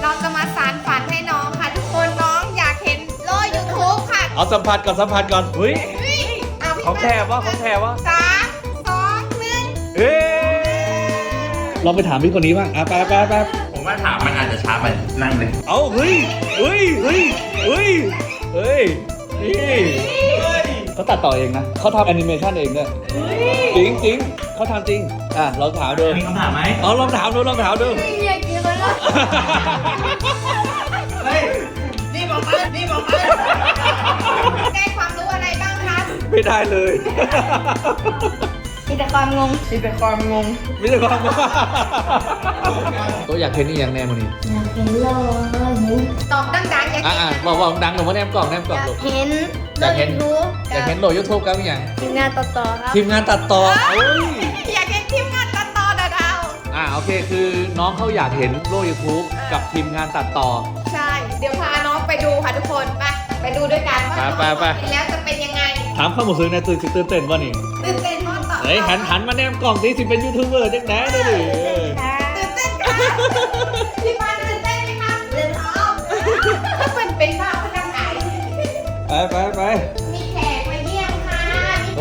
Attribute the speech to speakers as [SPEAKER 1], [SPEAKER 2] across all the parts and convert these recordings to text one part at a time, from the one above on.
[SPEAKER 1] เราจะมาสานฝันให้น้องค่ะทุกคนน้องอยากเห็นโลก YouTube ค่ะ
[SPEAKER 2] เอาสัมผัสก่อนสัมผัสก่อนเฮ้ย
[SPEAKER 1] เอาพี่
[SPEAKER 2] ของแท้วะของแท้วะ
[SPEAKER 1] 3 2 1
[SPEAKER 2] เอ๊ลองไปถามพี่คนนี้บ้างไป
[SPEAKER 3] ผมว่าถามมันอาจจะช้าไปนั่งเลย
[SPEAKER 2] เอาเฮ้ยนี่เขาตัดต่อเองนะเขาทำแอนิเมชันเองเนี่ยจริงเขาทำจริงลองถามดู
[SPEAKER 3] มีคำถามไหม
[SPEAKER 2] ลองถามดู
[SPEAKER 1] อยากกินเลยล่ะ
[SPEAKER 3] เฮ้ยนี่บอกมา
[SPEAKER 1] ได้ความรู้อะไรบ้างคะ
[SPEAKER 2] ไม่ได้เลย
[SPEAKER 1] มีแต่ความงง
[SPEAKER 2] ไม่ใช่ความตัวอยากเห็นนี่อย่างแน่มันนี่
[SPEAKER 1] อยากเห็นโลกตอบดังๆอยากเห็น
[SPEAKER 2] บอกดังหนูว่าแนมกล่องลูก
[SPEAKER 1] อยากเห็น
[SPEAKER 2] อยากเห็นโหลด YouTube กันอย่าง
[SPEAKER 1] ทีมงานต่อครับ
[SPEAKER 2] ทีมงานตัดต่อ
[SPEAKER 1] อยากเห็นทีมงานต่อดาว
[SPEAKER 2] โอเคคือน้องเขาอยากเห็นโลก YouTube กับทีมงานตัดต่อ
[SPEAKER 1] ใช่ เดี๋ยวพาน้องไปดูค่ะทุกคนไปดูด้วยกันว่า
[SPEAKER 2] ไป
[SPEAKER 1] กินแล้วจะเป็นยังไง
[SPEAKER 2] ถามข้อมูลซื้อในตื่นเต้นว่านี่
[SPEAKER 1] ตื่นเต้นมากต่อ
[SPEAKER 2] เฮ้ยหันมาแนมกล่องสิเป็นยูทูบเบอร์จังไหนเลยดิ
[SPEAKER 1] ตื่นเต้นค่ะพี่ปานตื่นเต้นไหมคะตื่นท้องเป็นบ้าพนักงาน
[SPEAKER 2] ไป
[SPEAKER 1] มีแขกมาเยี่ยมค่ะ
[SPEAKER 2] โอ้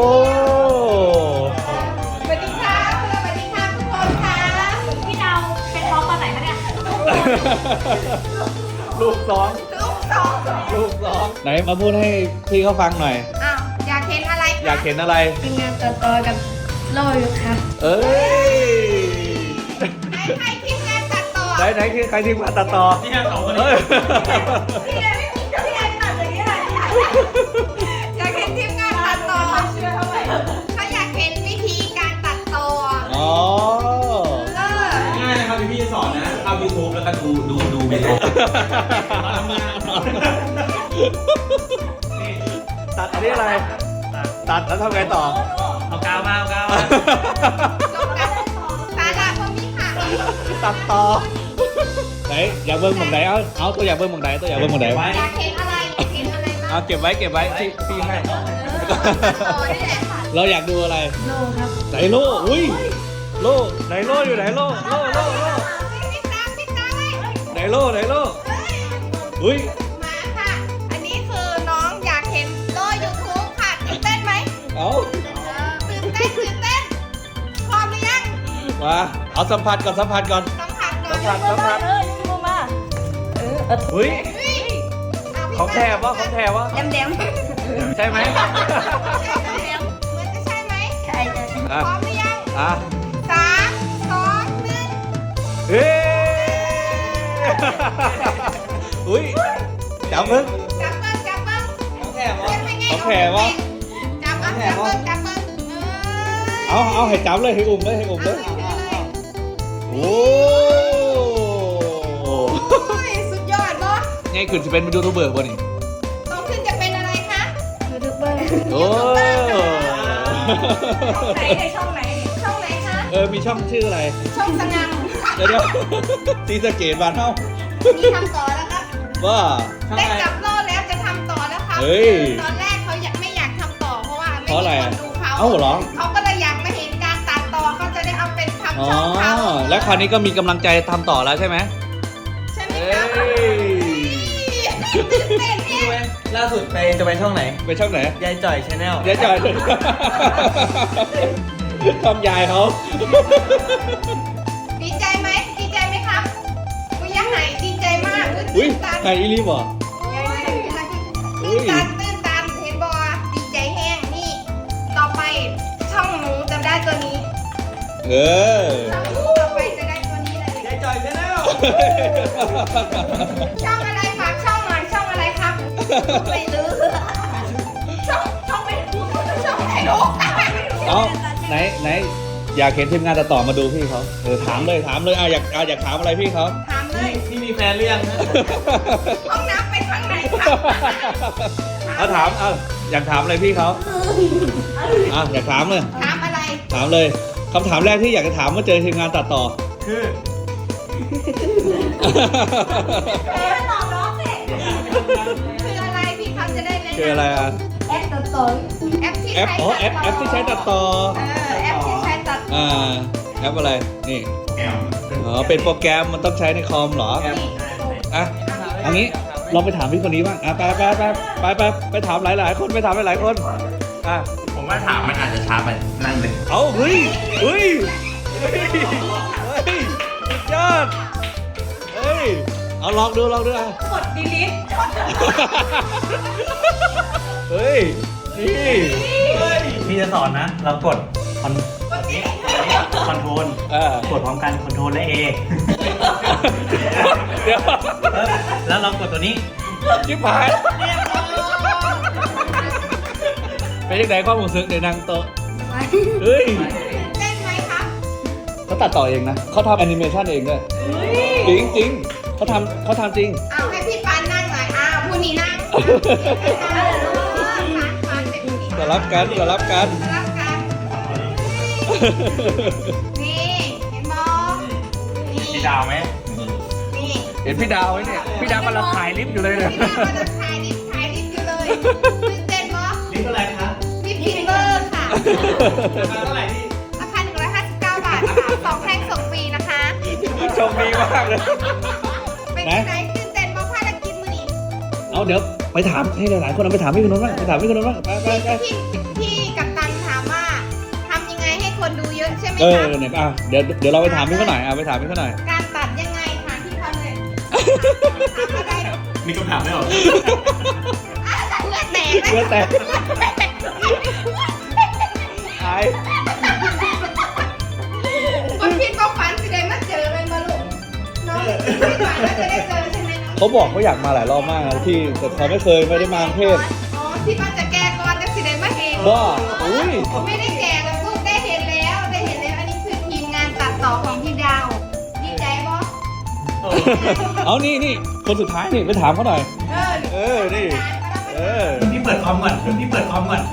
[SPEAKER 1] สวัสดีค่ะสวัสดีค่ะทุกคนค่ะพี่ดาวเป็นท้องตอนไหนคะเนี่ย
[SPEAKER 2] ลูกสองไหนมาพูดให้พี่เขาฟังหน่อย
[SPEAKER 1] อ้าวอยากเห็นอะไรคะ
[SPEAKER 2] อยากเห็นอะไร
[SPEAKER 1] ทีมงานต่อกับโลอยู่ครับ
[SPEAKER 2] เอ้ย
[SPEAKER 1] ใครทีมงานตัดต่อ
[SPEAKER 2] ไหนคือใครทีมงานตัดต่อ
[SPEAKER 3] นี่สองคน
[SPEAKER 2] เอ้
[SPEAKER 3] นี้
[SPEAKER 2] ย
[SPEAKER 1] พี่แดงไม่มีพี่แดงตัดอย่างนี้เลยอยากเห็นทีมงานตัดต่อเขาอยากเห็นวิธีการตัดต่อ
[SPEAKER 2] อ๋อ
[SPEAKER 3] ง่ายนะครับพี่สอนนะเข้า YouTube แล้วก็ดูวิดีโอ
[SPEAKER 2] ตัดอันนี้อะไร ตัดแล้วทำไงต่อ
[SPEAKER 3] เอากาวมา
[SPEAKER 1] ลงกันสาระพวกนี้ค่ะ
[SPEAKER 2] ตัดต่อไหนอยากเบิ้งหมองไหนเอาตัวอยากเบิ้งหมองไหนตัวอยากเบิ้งหมองไหน
[SPEAKER 1] อยากเห็นอะไรอยากเห็นอะไรบ้าง
[SPEAKER 2] เอาเก็บไว้พี่ให้
[SPEAKER 1] ตัดต่อนี่แหละค่ะ
[SPEAKER 2] เราอยากดูอะไร
[SPEAKER 1] โลครับ
[SPEAKER 2] ไหนโล่อุ้ยโล่ไหนโล่อยู่ไหนโล่
[SPEAKER 1] ติดตามไว้
[SPEAKER 2] ไหนโล่อุ้ย
[SPEAKER 1] มาค่ะ อันนี้คือน้องอยากเห็นโล YouTube ค่ะตื่นเต้นไหม
[SPEAKER 2] เอา
[SPEAKER 1] ตื่นเต้นพร้อมหรือยัง
[SPEAKER 2] มาเอาสัมผัสก่อน
[SPEAKER 1] ต้องผ่านก่อน
[SPEAKER 2] สัมผัสเฮ้ยของแท้วะ
[SPEAKER 1] แหลม
[SPEAKER 2] ใช่ไหม
[SPEAKER 1] เหมือนจะใช่ไหมใช่พร้อมหรือยัง 3 2 1
[SPEAKER 2] เฮ้ยอุ้ยจับมึง
[SPEAKER 1] จับเบิ้งจับเบิ้ง
[SPEAKER 3] ของแท้วะ
[SPEAKER 1] เป็นไง
[SPEAKER 2] ของแท้วะ
[SPEAKER 1] จับเบิ้ง
[SPEAKER 2] เอาให้จับเลยให้อุ้มเลยโอ้
[SPEAKER 1] โอ้ยสุดยอดเนาะ
[SPEAKER 2] ไงขึ้นจะเป็นยูทูบเบอร์ป่ะนี่
[SPEAKER 1] โตขึ้นจะเป็นอะไรคะยูทูบเบอร์
[SPEAKER 2] โอ้
[SPEAKER 1] ช่องไหนคะ
[SPEAKER 2] มีช่องชื่ออะไร
[SPEAKER 1] ช่องสงัง
[SPEAKER 2] เดี๋ยวตีสะเกตบ้านเฮ้า
[SPEAKER 1] มีทำต่อแล้วครับ
[SPEAKER 2] ว่า
[SPEAKER 1] ได้จับโล่แล้วจะทำต่อแล้วครับ
[SPEAKER 2] เฮ้ย
[SPEAKER 1] ตอนแรกเขาไม่อยากทำต่อเพราะว่าไม่
[SPEAKER 2] เพราะอะไร
[SPEAKER 1] มีค
[SPEAKER 2] อ่ะ
[SPEAKER 1] นดูเขา
[SPEAKER 2] เอ้าเหรอ
[SPEAKER 1] เขาก็เลยอยากมาเห็นการตัดต่อเขาจะได้เอาเป็นทำ
[SPEAKER 2] อ๋อ
[SPEAKER 1] ช่องเขา
[SPEAKER 2] แล้วคราวนี้ก็มีกำลังใจทำต่อแล้วใช่ไหม
[SPEAKER 1] ใช่ไหม
[SPEAKER 2] เอ้
[SPEAKER 1] ครับ
[SPEAKER 2] ย
[SPEAKER 1] เต้นเนี่ย
[SPEAKER 3] ล่าสุดจะไปช่องไหน
[SPEAKER 2] ไปช่องไหน
[SPEAKER 3] ยายจ่อยชาแนล
[SPEAKER 2] ยายจอยทำยายเขา
[SPEAKER 1] ดีใจไหมครับกุยาไหดีใจมาก
[SPEAKER 2] อุ้ย
[SPEAKER 1] ตื่นตัน
[SPEAKER 2] ใครอีลีบ่
[SPEAKER 1] ตื่นตันเห็นบอดีใจแห้งนี่ ต่อไปช่องหนูจะได้ตัวนี้
[SPEAKER 2] เออ
[SPEAKER 1] ช่องหนูต่อไปจะได้ตัวนี้เลย
[SPEAKER 3] ยายจ่อยชาแนล
[SPEAKER 1] ช่องอะไรฝากช่องหน่อยช่องอะไรครับไม่รู้ช่องไม่รู้ช่องไหนรู้
[SPEAKER 2] เอาไหนอยากเห็นทีมงานตัดต่อมาดูพี่เขาถามเลยอยากถามอะไรพี่เขา
[SPEAKER 1] ถามเลย
[SPEAKER 3] พี่มีแฟนหรือยังนะ
[SPEAKER 1] ห้องน้ำไปทางไหนครับ
[SPEAKER 2] อยากถามอะไรพี่เขาอยากถามเลย
[SPEAKER 1] ถามอะไร
[SPEAKER 2] ถามเลยคำถามแรกที่อยากจะถามเมื่อเจอทีมงานตัดต่อ
[SPEAKER 3] คือ
[SPEAKER 1] ตอบน้องสิคืออะไรพี่เขาจะได้แนะนำ
[SPEAKER 2] คืออะไรอ่ะ
[SPEAKER 1] แอปตัดต่อแอปที่
[SPEAKER 2] แอปที่ใช้ตัดต่อ
[SPEAKER 1] แอปที่ใช้ตัดต่อ
[SPEAKER 2] แอปอะไรนี่
[SPEAKER 3] แอม
[SPEAKER 2] อ๋อเป็นโปรแกรมมันต้องใช้ในคอมเหรออ่ะอันนี้ลองไปถามพี่คนนี้บ้างอ่ะไปถามหลายๆคนไปถามหลายๆคนอ่ะ
[SPEAKER 3] ผมว่าถามมันอาจจะช้าไปนั่งเลย
[SPEAKER 2] เอาเฮ้ยสุดยอดเฮ้ยเอาลองดูอ่ะ
[SPEAKER 1] กด delete
[SPEAKER 2] เฮ้ยนี่
[SPEAKER 4] พี่จะสอนนะ เรากดคอน
[SPEAKER 1] กด delete
[SPEAKER 4] คอนโทรล กดพร้อมกันคอนโทรลและ A
[SPEAKER 2] เดี๋ยว
[SPEAKER 4] แล้วเรากดตัวนี้
[SPEAKER 2] จิ๊บหายเป็นยังไงความรู้สึกเดี๋ยวนางโตะเฮ้ย
[SPEAKER 1] เต้นไหมครับ
[SPEAKER 2] เขาตัดต่อเองนะเขาทำแอนิเมชันเองด้วยจริงเขาทำจริง
[SPEAKER 1] เอาให้พี่ปานนั่งหน่อยผู้นี้นั่งปานเป็นผู้นี้
[SPEAKER 2] จะรับกัน
[SPEAKER 1] รับกัน นี่เห็นบอนี่
[SPEAKER 3] พี่ดาวไหม
[SPEAKER 1] นี่
[SPEAKER 2] เห็นพี่ดาวไหมเนี่ยพี่ดาวกำลังถ่ายลิฟต์อยู่เลยเนี่ย
[SPEAKER 1] พี่ดาวกำลังถ่ายลิฟต์อยู่เลยตื่นเต้นบอ
[SPEAKER 4] นี่เท่าไหร่ครับ
[SPEAKER 1] ลิฟต์พิมเบอร์ค่ะ
[SPEAKER 3] ราคาเท่าไหร่พี่
[SPEAKER 1] ราคา159 บาทค่ะ2แท่งส่งฟรีนะคะ
[SPEAKER 2] โชคดีมากเลย
[SPEAKER 1] เป็นยังไงตื่นเต้นบอภารกิจมื้อนี้
[SPEAKER 2] เอาเดี๋ยวไปถามให้หลายๆคนเอาไปถามพี่คนนู้นบ้างไปถามพี่คนนู้นบ้างไป
[SPEAKER 1] พี่กัปตันถามว่าทำยังไงให้คนดูเยอะใช่ไหม
[SPEAKER 2] เออ
[SPEAKER 1] ครับ
[SPEAKER 2] เนี่ยเดี๋ยวเราไปถามพี่เขาหน่อยไปถามพี่เขาหน่อย
[SPEAKER 1] การตัดยังไงถามพี่เขาเลยถามอะไร
[SPEAKER 3] นี่คำถามไม่หรอ
[SPEAKER 1] เลือดแตก
[SPEAKER 2] เลือดแตกหาย
[SPEAKER 1] คนพี่ก็ฝันสิได้มาเจอเลยมาลูกน้องพี่ฝันว่าจะได้เจอใช่ไหมน้อง
[SPEAKER 2] เขาบอกเขาอยากมาหลายรอบมากนะที่แต่เขาไม่ได้มากรุงเทพ
[SPEAKER 1] อ๋อที่ว่าจะแก้ก่อนจะสิได้มาเอง
[SPEAKER 2] ว่าอุ้ย
[SPEAKER 1] ไม่ได้แก่แล้วลูกได้เห็นแล้วอันนี้คือทีมงานตัดต่อของพี่ดาวดีใจปะ
[SPEAKER 2] เอานี่คนสุดท้ายนี่ไปถามเขาหน่อย เออนี่เออ
[SPEAKER 4] พี่เปิดคอมก่อนพี่เปิดคอมก่อน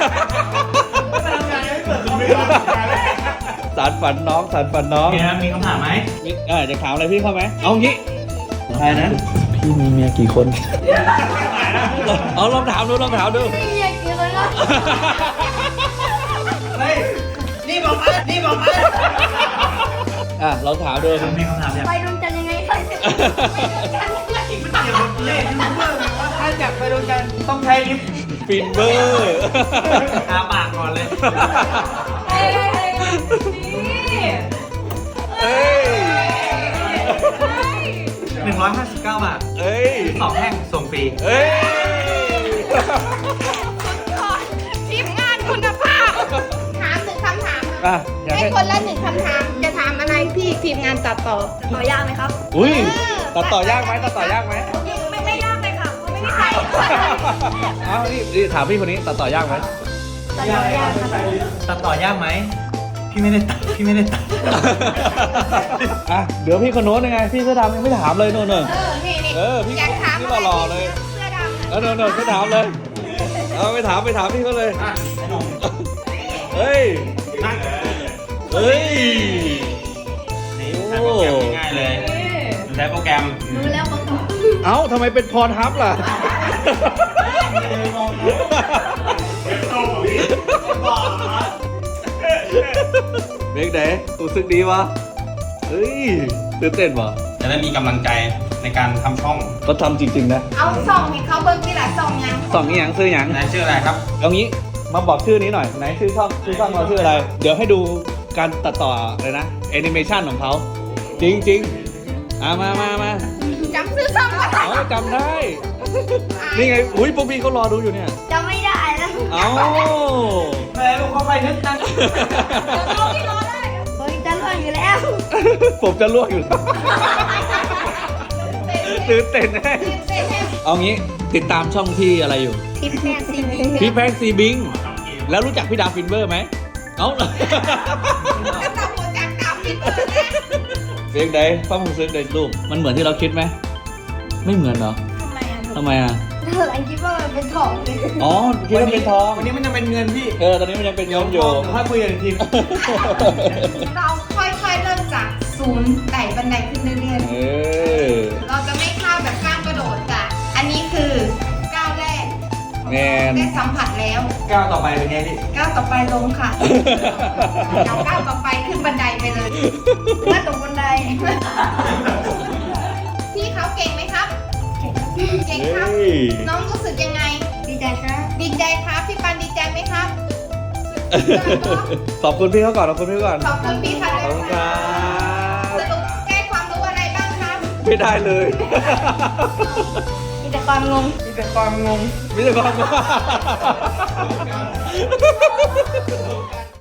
[SPEAKER 2] สารฝันน้อง
[SPEAKER 4] มีนะมีคำถามไหม
[SPEAKER 2] จะถามอะไรพี่เขาไหมเอางี้ใครนะพี่มีเมียกี่คนเอาลองถามดู
[SPEAKER 1] ไม่อยากกินเลยล่ะ
[SPEAKER 4] นี่บอกมา
[SPEAKER 2] ลองถามดู
[SPEAKER 4] มีคำถามอยาก
[SPEAKER 1] ไปดวงจันทร์ยังไงค่อยเสร็จ
[SPEAKER 4] เล่นยูทูบเบอร์ถ้าอยากไปดูกันต้องใช้ลิฟต์
[SPEAKER 2] ฟินเบอร์
[SPEAKER 4] ทาปากก่อนเลย
[SPEAKER 2] เอ้ย
[SPEAKER 4] 159 บาท
[SPEAKER 2] เอ้ย
[SPEAKER 4] 2แท่งส่งฟรี
[SPEAKER 2] เอ้ย
[SPEAKER 1] ทีมงานคุณภาพ ถาม1 คำถาม
[SPEAKER 2] อยาก
[SPEAKER 1] ให้
[SPEAKER 2] ให้
[SPEAKER 1] คนละ 1 คำถาม จะถามอะไรพี่ทีมงานตัดต่อ ต่อยากไหมครับ
[SPEAKER 2] อุ้ยตัดต่อยากไหม
[SPEAKER 1] ไม่ยากเลยค่ะเพราะไม่มีใคร
[SPEAKER 2] เอานี่ถามพี่คนนี้ตัดต่อยากไหม
[SPEAKER 1] ตัดต่อยากครับ
[SPEAKER 4] ตัดต่อยากไหม พี่ไม่ได้ตัด
[SPEAKER 2] เดี๋ยวพี่คนโน้นยังไง พี่เสื้อดำยังไม่ถามเลยโน่น
[SPEAKER 1] นี่
[SPEAKER 2] พี่
[SPEAKER 1] อยากถาม
[SPEAKER 2] พี่
[SPEAKER 1] อะไร
[SPEAKER 2] หล่อๆเลย
[SPEAKER 1] เสื้อดำ
[SPEAKER 2] แล้วโน่นไม่ถามเลยเอาไปถามพี่เขาเลยเฮ้ย เฮ้ย
[SPEAKER 3] นี่ใช้โปรแกรมง่ายๆเลยใช้โปรแกรม
[SPEAKER 1] รู้แล้วเขาตอบ
[SPEAKER 2] เอ้าทำไมเป็นพรทับล่ะเบรกไหนรู้สึกดีวะเฮ้ยตื่นเต้นวะ
[SPEAKER 3] จะได้มีกำลังใจในการทำช่อง
[SPEAKER 2] เขาทำจริงๆนะ
[SPEAKER 1] เอาส่องให้เขาเบิ้งที่หลายส่องยัง
[SPEAKER 2] สองอย่างชื่ออย่าง
[SPEAKER 3] นายชื่ออะไรครับ
[SPEAKER 2] เอางี้มาบอกชื่อนี้หน่อยไหนชื่อช่องเราชื่ออะไร เดี๋ยวให้ดูการตัดต่อเลยนะแอนิเมชันของเขาจริงๆมา
[SPEAKER 1] จำซื้อส่องมา
[SPEAKER 2] เอาจำได้ นี่ไงอุ้ยพวกพี่เขารอดูอยู่เนี่ย
[SPEAKER 1] จำไม่ได้แล้ว
[SPEAKER 2] เอ้า
[SPEAKER 4] แหมลูกเข้าไปนึกจัง
[SPEAKER 1] เราไม่รอได้เฮ้ยจะรออยู่แล้ว
[SPEAKER 2] ผมจะลวกอยู่แล้วตื่นเต้นแน่เอางี้ติดตามช่องพี่อะไรอยู่
[SPEAKER 1] ทิปแม่ซีนี
[SPEAKER 2] พี่แพงซีบิง แล้วรู้จักพี่ดาวฟินเบอร์ไหม เอ้า
[SPEAKER 1] ก็ต้องรู้จักดาวฟินเบอร์นะ
[SPEAKER 2] เสียงใดฟังผมเสียงใดรูปมันเหมือนที่เราคิดไหม ไม่เหมือนเหรอ
[SPEAKER 1] ทำไมอ่ะ
[SPEAKER 2] ทำไมอ่ะ
[SPEAKER 1] เธออันคิดว่ามันเป็นของเลย
[SPEAKER 2] อ๋อคิดว่าเป็นทอง
[SPEAKER 4] วันนี้มันจะเป็นเงินพี่
[SPEAKER 2] ตอนนี้มันยังเป็นเงินอยู่
[SPEAKER 4] ค่อยคุยกันอีกที
[SPEAKER 1] เราค่อยๆเริ่มจากศูนย์ไต่บันไดขึ้นเรื่อย
[SPEAKER 2] เออ
[SPEAKER 1] ๆเราจะไม่ข้าวแบบก้าวกระโดดจ้ะอันนี้คือก้าวแรกข
[SPEAKER 2] แมน
[SPEAKER 1] ได้สัมผัสแล้ว
[SPEAKER 3] ก้าวต่อไปเป็นไงพี่
[SPEAKER 1] ก้าวต่อไปลงค่ะเดี๋ยวก้าวต่อไปขึ้นบันไดไปเลยเมื่อตกบันได พี่เขาเก่งไหมครับ เก่งครับ น้องรู้สึกยังไง ดีใจครับ ดีใจครับ พี่ปันดีใจไหมครับ
[SPEAKER 2] ขอบคุณพี่เขาก่อนขอบคุณพี่ก่อน
[SPEAKER 1] ขอบคุณพี่ค่ะ
[SPEAKER 2] ขอบคุณครับ
[SPEAKER 1] สรุปได้ความรู้อะไรบ้างครับ
[SPEAKER 2] ไม่ได้เลย
[SPEAKER 1] มีแต่ความงง
[SPEAKER 4] มีแต่ความงง
[SPEAKER 2] ไม่ใช่ความ